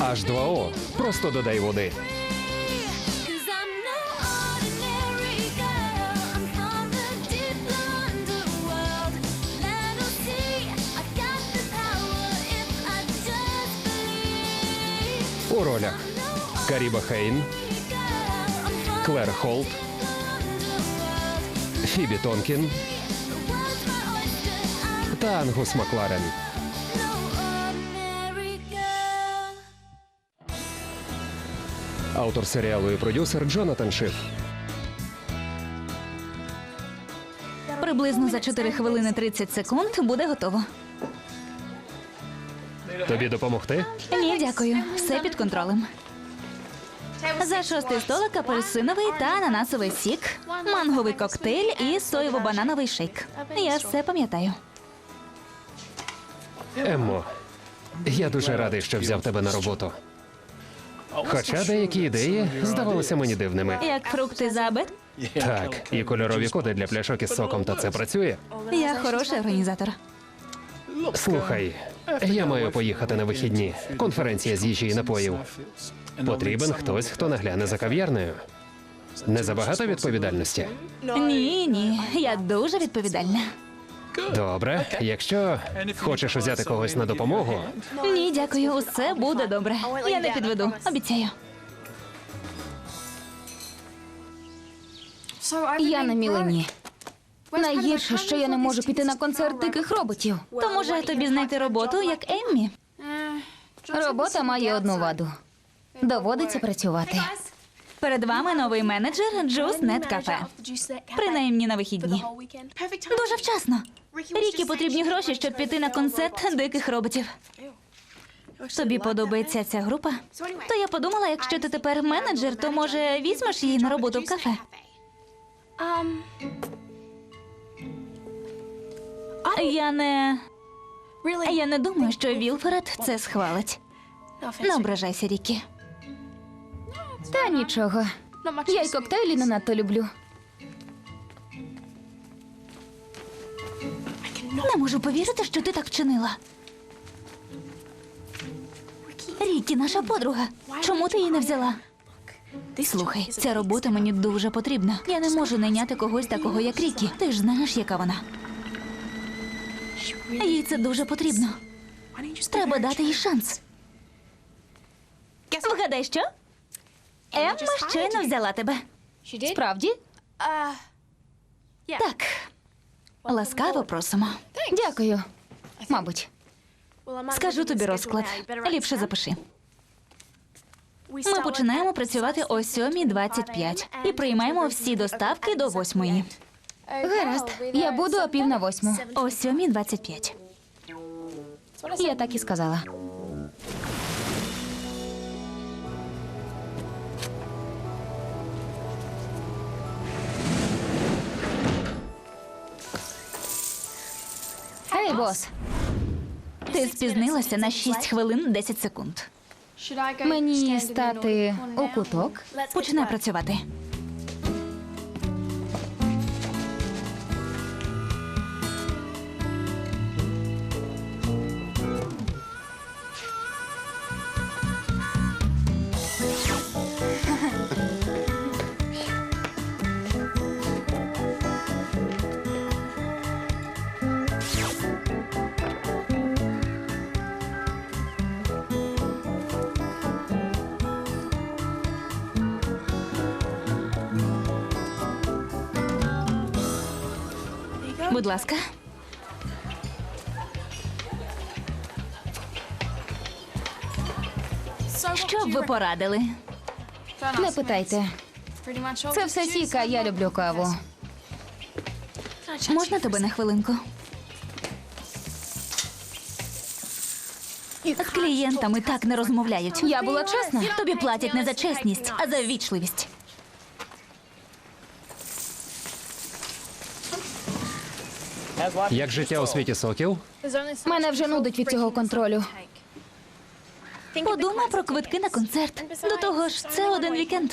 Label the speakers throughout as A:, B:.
A: H2O. Просто додай води.
B: Cause I'm no ordinary girl. I'm from the deep underworld. Let 'em see I got the power if I just believe.
A: У ролях Каріба Хейн,
B: Girl, I'm from
A: Клер Холт,
B: the underworld.
A: Фібі Тонкін
B: The world's my oyster. I'm
A: та Ангус Макларен.
B: no ordinary girl.
A: Автор серіалу і продюсер Джонатан Шиф.
C: Приблизно за 4 хвилини 30 секунд буде готово.
A: Тобі допомогти?
C: Ні, дякую. Все під контролем. За 6-й столик апельсиновий та ананасовий сік, манговий коктейль і соєво-банановий шейк. Я все пам'ятаю.
A: Еммо, я дуже радий, що взяв тебе на роботу. Хоча деякі ідеї здавалися мені дивними.
C: Як фрукти за обед?
A: Так, і кольорові коди для пляшок із соком, та це працює.
C: Я хороший організатор.
A: Слухай, я маю поїхати на вихідні. Конференція з їжі і напоїв. Потрібен хтось, хто нагляне за кав'ярнею. Не забагато відповідальності?
C: Ні, я дуже відповідальна.
A: Добре, якщо хочеш взяти когось на допомогу,
C: Ні, дякую, усе буде добре. Я не підведу, обіцяю.
D: Я на Мілені. Найгірше, що я не можу піти на концерт диких роботів.
C: То може тобі знайти роботу, як Еммі?
D: Робота має одну ваду. Доводиться працювати.
C: Перед вами новий менеджер Juice.net Cafe. Принаймні на вихідні. Дуже вчасно. Рікі потрібні гроші, щоб піти на концерт диких роботів. Тобі подобається ця група? То я подумала, якщо ти тепер менеджер, то може візьмеш її на роботу в кафе? Я не думаю, що Вілфред це схвалить. Не ображайся, Рікі.
D: Та нічого. Я й коктейлі не надто люблю.
C: Не можу повірити, що ти так вчинила. Рікі, наша подруга. Чому ти її не взяла? Слухай, ця робота мені дуже потрібна. Я не можу найняти когось такого, як Рікі. Ти ж знаєш, яка вона. Їй це дуже потрібно. Треба дати їй шанс. Вгадай, що? Емма щойно взяла тебе.
D: Справді?
C: Так. Ласкаво просимо.
D: Дякую. Мабуть.
C: Скажу тобі розклад. Ліпше запиши. Ми починаємо працювати о 7:25 і приймаємо всі доставки до 8:00.
D: Гаразд. Я буду о 7:45.
C: О 7:25.
D: Я так і сказала. Ей, бос.
C: Ти спізнилася на 6 хвилин 10 секунд.
D: Мені стати у куток?
C: Починай працювати. Будь ласка. Що б ви порадили?
D: Не питайте. Це все сіка, я люблю каву.
C: Можна тебе на хвилинку? З клієнтами так не розмовляють.
D: Я була чесна.
C: Тобі платять не за чесність, а за ввічливість.
A: як життя у світі соків?
D: Мене вже нудить від цього контролю.
C: Подумай про квитки на концерт. До того ж, це один вікенд.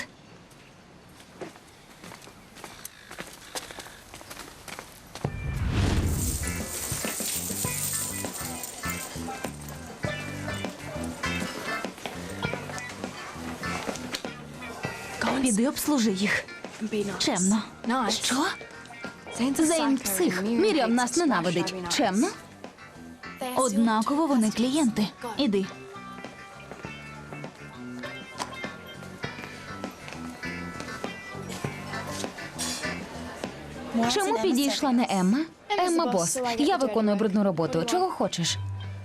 C: Піди обслужи їх. Чемно.
D: Що? Зейн псих. Мірям нас ненавидить. Чемно?
C: Однаково вони клієнти. Іди.
D: Чому підійшла не Емма? Емма бос. Я виконую брудну роботу. Чого хочеш?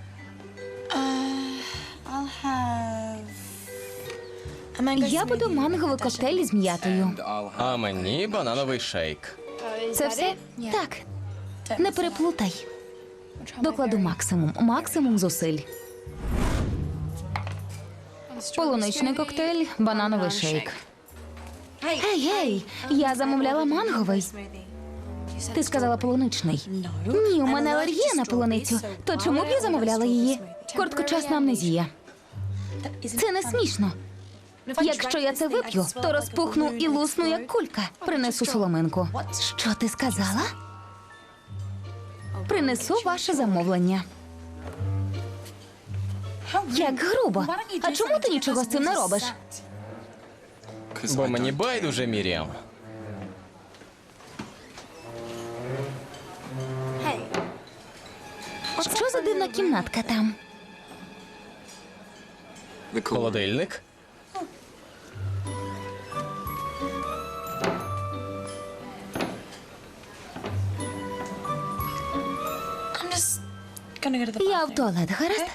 D: Я буду манговий коктейль з м'ятою.
E: А мені банановий шейк.
D: Це все? Так. Не переплутай. Докладу максимум зусиль. Полуничний коктейль, банановий шейк. Гей, я замовляла манговий. Ти сказала полуничний. Ні, у мене алергія на полуницю. То чому б я замовляла її? Короткочасна амнезія. Це не смішно. Якщо я це вип'ю, то розпухну і лусну, як кулька. Принесу соломинку. Що ти сказала? Принесу ваше замовлення. Як грубо. А чому ти нічого з цим не робиш?
E: Бо мені байдуже, Міріам.
D: Що за дивна кімнатка там?
E: Холодильник.
D: Я в туалет, гаразд?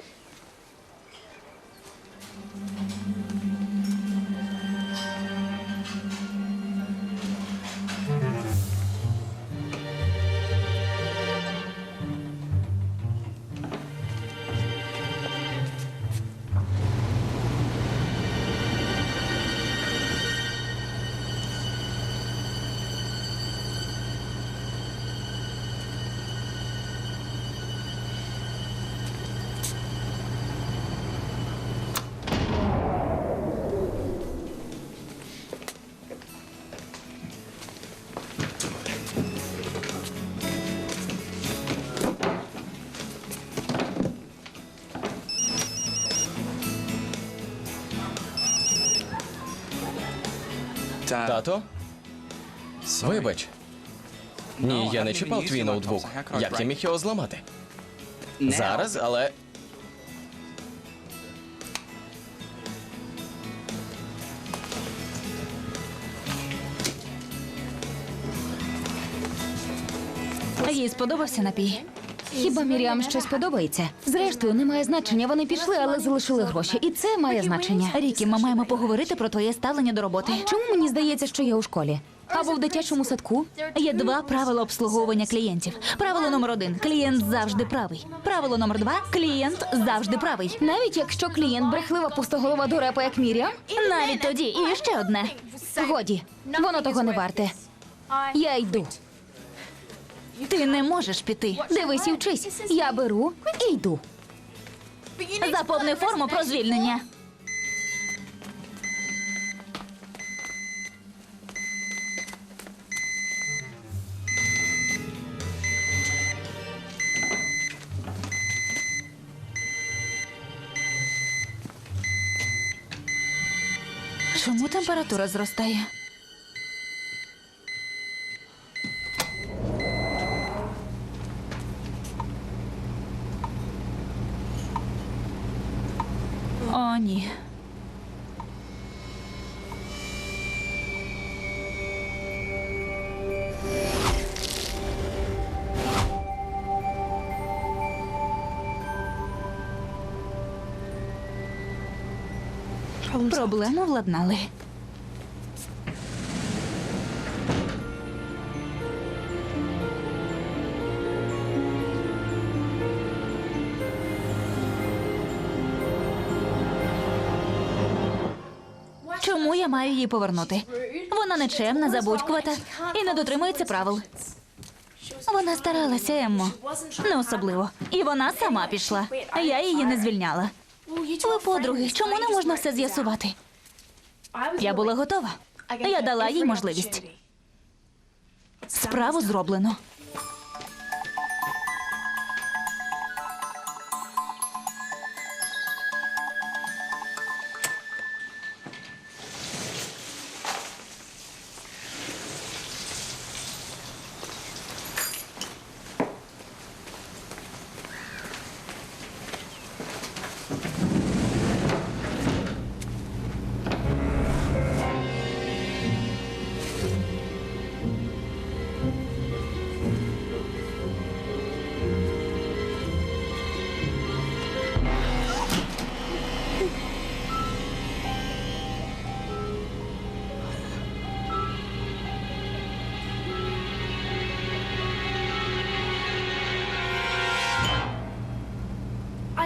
E: Тато? Вибач. Ні, я не чіпав твій ноутбук. Як я міг його зламати? Зараз, але.
C: Їй сподобався напій.
D: Хіба Міріам щось подобається? Зрештою, немає значення. Вони пішли, але залишили гроші. І це має значення.
C: Рікі, ми маємо поговорити про твоє ставлення до роботи.
D: Чому мені здається, що я у школі? Або в дитячому садку?
C: Є два правила обслуговування клієнтів. Правило номер 1 – клієнт завжди правий. Правило номер 2 – клієнт завжди правий.
D: Навіть якщо клієнт брехлива пустоголова дурепа, як Міріам?
C: Навіть тоді. І ще одне.
D: Годі, воно того не варте. Я йду.
C: Ти не можеш піти.
D: Дивись і вчись. Я беру і йду.
C: Заповни форму про звільнення. Чому температура зростає? О, ні. Проблему владнали. Чому я маю її повернути? Вона нечемна, забудькувата і не дотримується правил. Вона старалася, Еммо. Не особливо. І вона сама пішла. Я її не звільняла. Ви подруги, чому не можна все з'ясувати? Я була готова. Я дала їй можливість. Справу зроблено.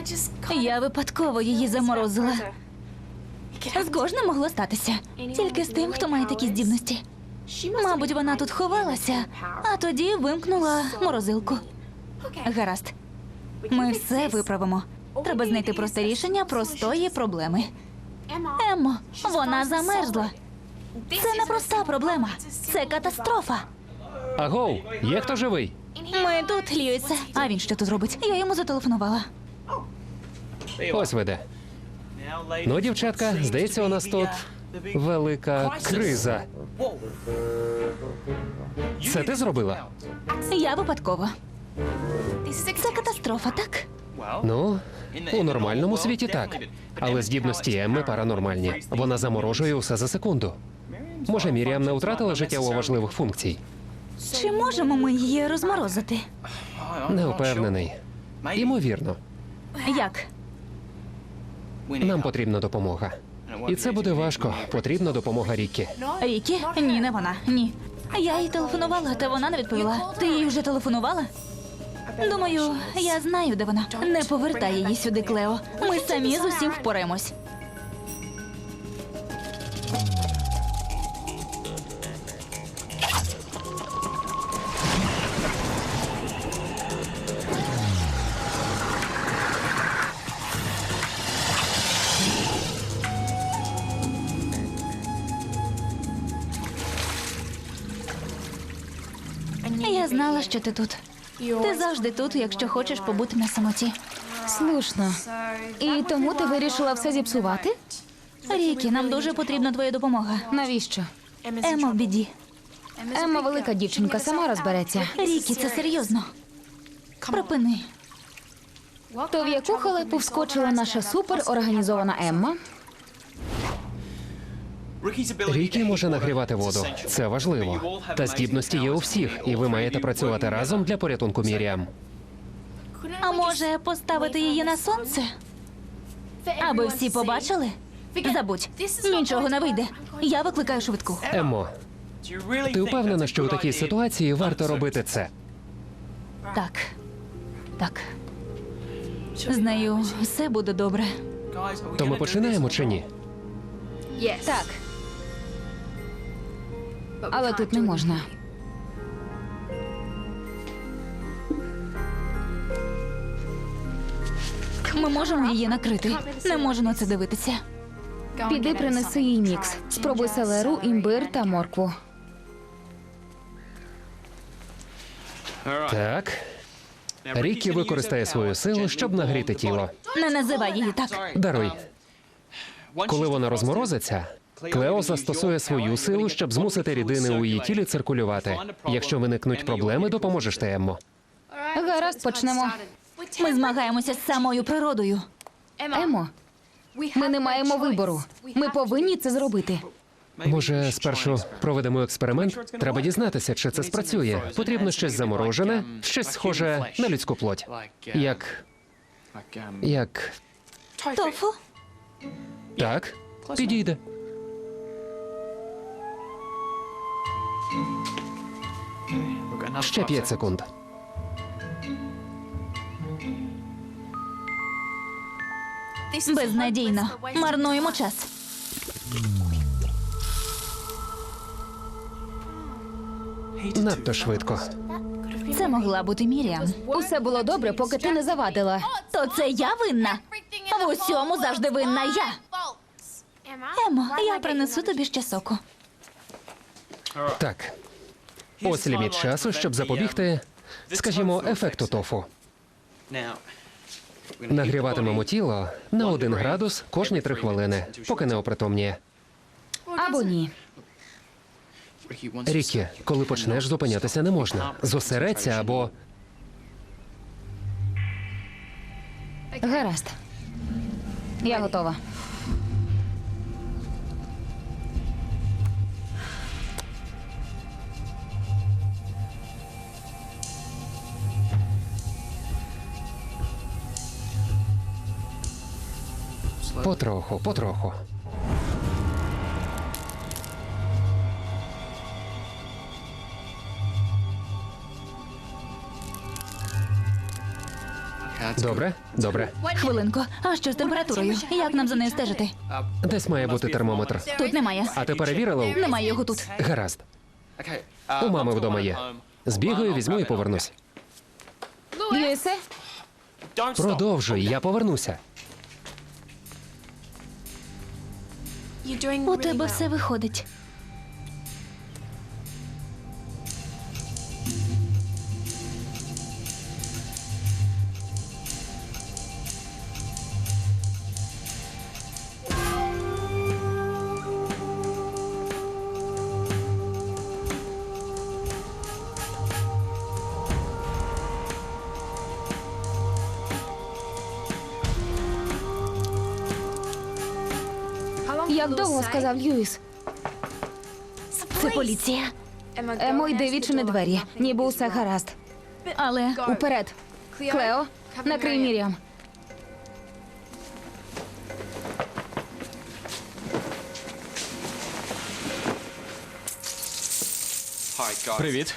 C: Я випадково її заморозила. З кожним могло статися. Тільки з тим, хто має такі здібності. Мабуть, вона тут ховалася, а тоді вимкнула морозилку. Гаразд. Ми все виправимо. Треба знайти просте рішення простої проблеми. Еммо, вона замерзла. Це не проста проблема. Це катастрофа.
A: Агоу, є хто живий?
C: Ми тут, Льюісе. А він що тут робить? Я йому зателефонувала.
A: Ось ви де. Ну, дівчатка, здається, у нас тут велика криза. Це ти зробила?
C: Я випадково. Це катастрофа, так?
A: Ну, у нормальному світі так. Але здібності Емми паранормальні. Вона заморожує усе за секунду. Може, Міріам не втратила життєво важливих функцій?
C: Чи можемо ми її розморозити?
A: Не впевнений. Імовірно,
C: Як?
A: нам потрібна допомога. І це буде важко. Потрібна допомога Ріккі.
C: Рікі? Ні, не вона. Ні. Я їй телефонувала, та вона не відповіла. Ти їй вже телефонувала? Думаю, я знаю, де вона. Не повертай її сюди, Клео. Ми самі з усім впораємось. Я знала, що ти тут. Ти завжди тут, якщо хочеш побути на самоті.
D: Слушно. І тому ти вирішила все зіпсувати?
C: Рікі, нам дуже потрібна твоя допомога.
D: Навіщо?
C: Емма в біді.
D: Емма велика дівчинка, сама розбереться.
C: Рікі, це серйозно. Припини.
D: То в яку халепу вскочила наша суперорганізована Емма?
A: Рікі може нагрівати воду. Це важливо. Та здібності є у всіх, і ви маєте працювати разом для порятунку Міріам.
C: А може поставити її на сонце? Аби всі побачили? Забудь, нічого не вийде. Я викликаю швидку.
A: Еммо, ти впевнена, що у такій ситуації варто робити це?
C: Так. Так. З нею все буде добре.
A: То ми починаємо чи ні?
D: Так. Але тут не можна.
C: Ми можемо її накрити. Не можу на це дивитися.
D: Піди принеси їй мікс. Спробуй селеру, імбир та моркву.
A: Так. Рікі використає свою силу, щоб нагріти тіло.
C: Не називай її так.
A: Даруй. Коли вона розморозиться, Клео застосує свою силу, щоб змусити рідини у її тілі циркулювати. Якщо виникнуть проблеми, допоможеш ти, Еммо.
D: Гаразд, почнемо.
C: Ми змагаємося з самою природою.
D: Емо, ми не маємо вибору. Ми повинні це зробити.
A: Може, спершу проведемо експеримент? Треба дізнатися, чи це спрацює. Потрібно щось заморожене, щось схоже на людську плоть. Як...
C: Тофу?
A: Так, підійде. Ще 5 секунд.
C: Безнадійно. Марнуємо час.
A: Надто швидко.
C: Це могла бути Міріам.
D: Усе було добре, поки ти не завадила.
C: То це я винна? В усьому завжди винна я. Емо, я принесу тобі ще соку.
A: Так. Ось ліміт часу, щоб запобігти, скажімо, ефекту тофу. Нагріватимемо тіло на 1 градус кожні 3 хвилини, поки не опритомніє.
D: Або ні.
A: Рікі, коли почнеш, зупинятися не можна. Зосередься або...
D: Гаразд. Я готова.
A: Потроху, потроху. Добре, добре.
C: Хвилинку. А що з температурою? Як нам за нею стежити?
A: Десь має бути термометр.
C: Тут немає.
A: А ти перевірила?
C: Немає його тут.
A: Гаразд. У мами вдома є. Збігаю, візьму і повернусь.
D: Льюісе,
A: Продовжуй, я повернуся.
C: У тебе все виходить.
D: як довго сказав Льюіс?
C: Це поліція.
D: Емо, йди відчини двері, ніби усе гаразд.
C: Але
D: Уперед. Клео, накрий Міріам.
E: Привіт.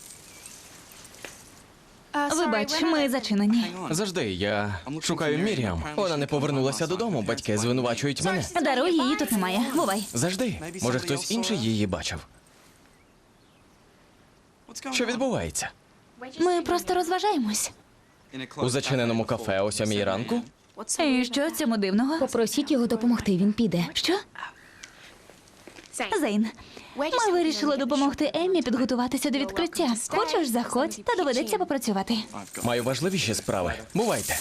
C: вибач, ми зачинені.
E: Завжди я шукаю Міріам. Вона не повернулася додому. Батьки звинувачують мене.
C: Даруй, її тут немає. Бувай.
E: Завжди. Може, хтось інший її бачив. Що відбувається?
C: Ми просто розважаємось.
E: У зачиненому кафе о 7 ранку?
C: І що в цьому дивного?
D: Попросіть його допомогти, він піде.
C: Що? Зейн, ми вирішили допомогти Еммі підготуватися до відкриття. Хочеш, заходь, та доведеться попрацювати.
E: Маю важливіші справи. Бувайте.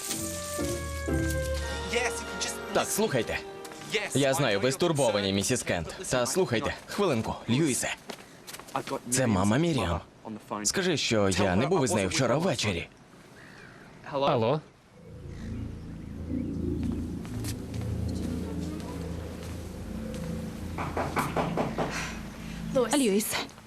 E: Так, слухайте. Я знаю, ви стурбовані, місіс Кент. Та слухайте, хвилинку, Льюісе. Це мама Міріам. Скажи, що я не був із нею вчора ввечері.
A: Алло?
C: Льюіс,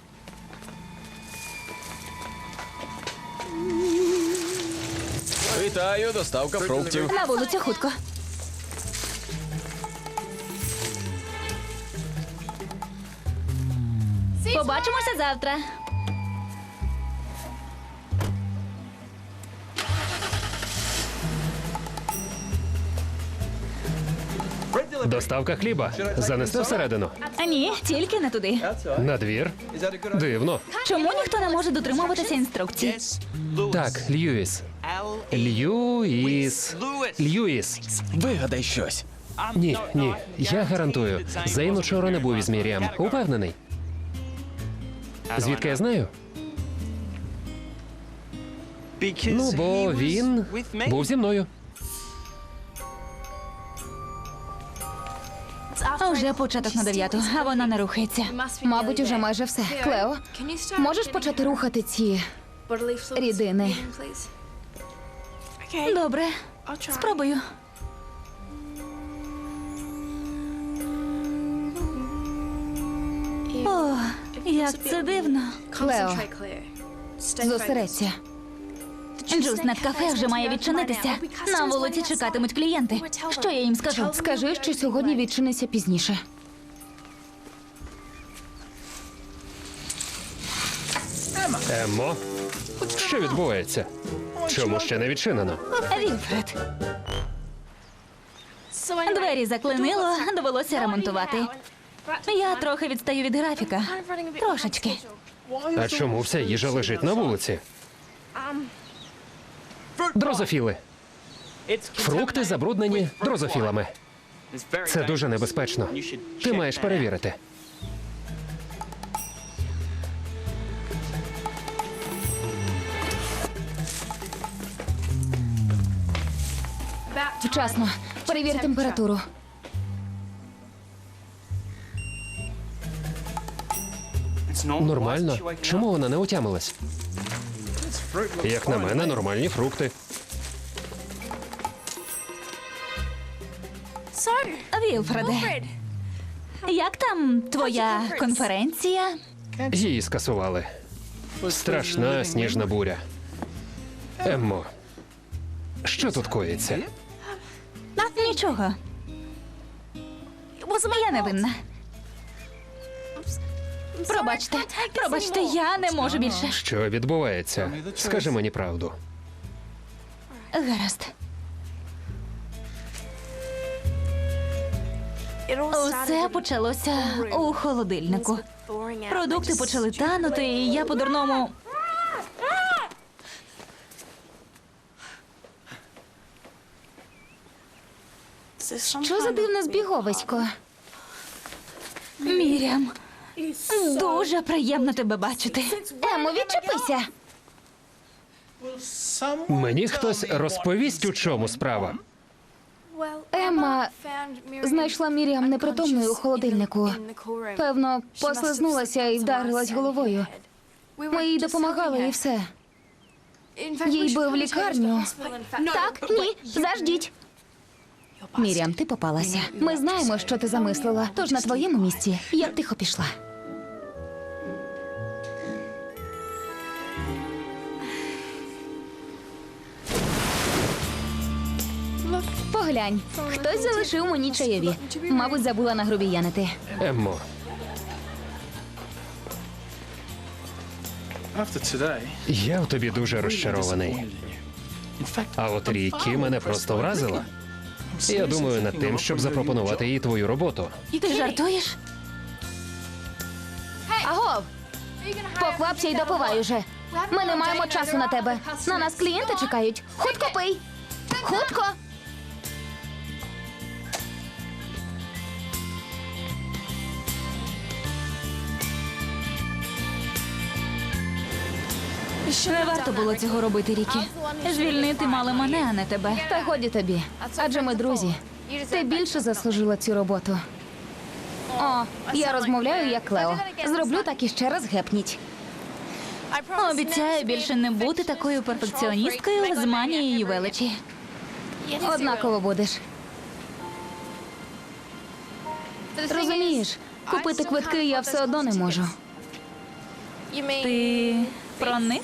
E: Вітаю, доставка фруктів.
C: на вулицю хутко. Побачимося завтра.
A: Доставка хліба. Занести всередину.
C: А ні, тільки не туди.
A: На двір. Дивно.
C: Чому ніхто не може дотримуватися інструкцій?
A: Так, Льюіс. Льюіс. Льюіс.
E: Вигадай щось.
A: Ні, ні. Я гарантую. Зейн учора не був із Міріам. Упевнений. Звідки я знаю? Ну, бо він був зі мною.
C: А вже початок на 9, а вона не рухається.
D: Мабуть, уже майже все. Клео, можеш почати рухати ці рідини?
C: Добре, спробую. О, як це дивно.
D: Клео, зосередься.
C: Джус над кафе вже має відчинитися. На вулиці чекатимуть клієнти. Що я їм скажу?
D: Скажи, що сьогодні відчиниться пізніше.
A: Еммо? Що відбувається? Чому ще не відчинено?
C: Вільфред. Двері заклинило, довелося ремонтувати. Я трохи відстаю від графіка. Трошечки.
A: А чому вся їжа лежить на вулиці? Дрозофіли. Фрукти забруднені дрозофілами. Це дуже небезпечно. Ти маєш перевірити.
D: Вчасно. Перевір температуру.
A: Нормально. Чому вона не отямилась? Як на мене, нормальні фрукти.
C: Вільфреде, як там твоя конференція?
A: Її скасували. Страшна сніжна буря. Еммо, що тут коїться?
C: Нічого. Я не винна. Пробачте, я не можу більше.
A: Що відбувається? Скажи мені правду.
C: Гаразд. Усе почалося у холодильнику. Продукти почали танути, і я по-дурному...
D: Що за дивне збіговисько?
C: Мірям, дуже приємно тебе бачити.
D: Емо, відчепися.
A: Мені хтось розповість, у чому справа.
D: Емма знайшла Міріам непритомною у холодильнику. Певно, послизнулася і вдарилась головою. Ми їй допомагали і все. Їй би в лікарню. Так, ні, заждіть. Міріам, ти попалася. Ми знаємо, що ти замислила. Тож на твоєму місці я б тихо пішла. Поглянь, хтось залишив мені чайові. Мабуть, забула нагрубіянити.
A: Еммо, я в тобі дуже розчарований. А от Рікі мене просто вразила. Я думаю над тим, щоб запропонувати їй твою роботу.
C: Ти жартуєш?
D: Агов! Поквапся й допивай уже. Ми не маємо часу на тебе. На нас клієнти чекають. Хутко пий! Хутко!
C: Не варто було цього робити, Рікі. Звільнити мали мене, а не тебе.
D: Та годі тобі. Адже ми друзі. Ти більше заслужила цю роботу. О, я розмовляю як Лео. Зроблю так і ще раз гепніть.
C: Обіцяю більше не бути такою перфекціоністкою з манією величі.
D: Однаково будеш. Розумієш, купити квитки я все одно не можу.
C: Ти про них?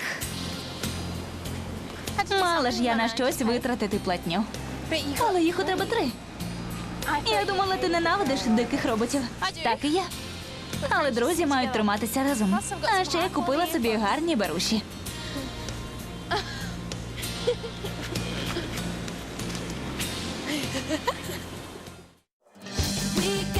C: Мала ж я на щось витратити платню. Але їх у тебе 3. Я думала, ти ненавидиш диких роботів. Так і я. Але друзі мають триматися разом. А ще я купила собі гарні беруші.
B: We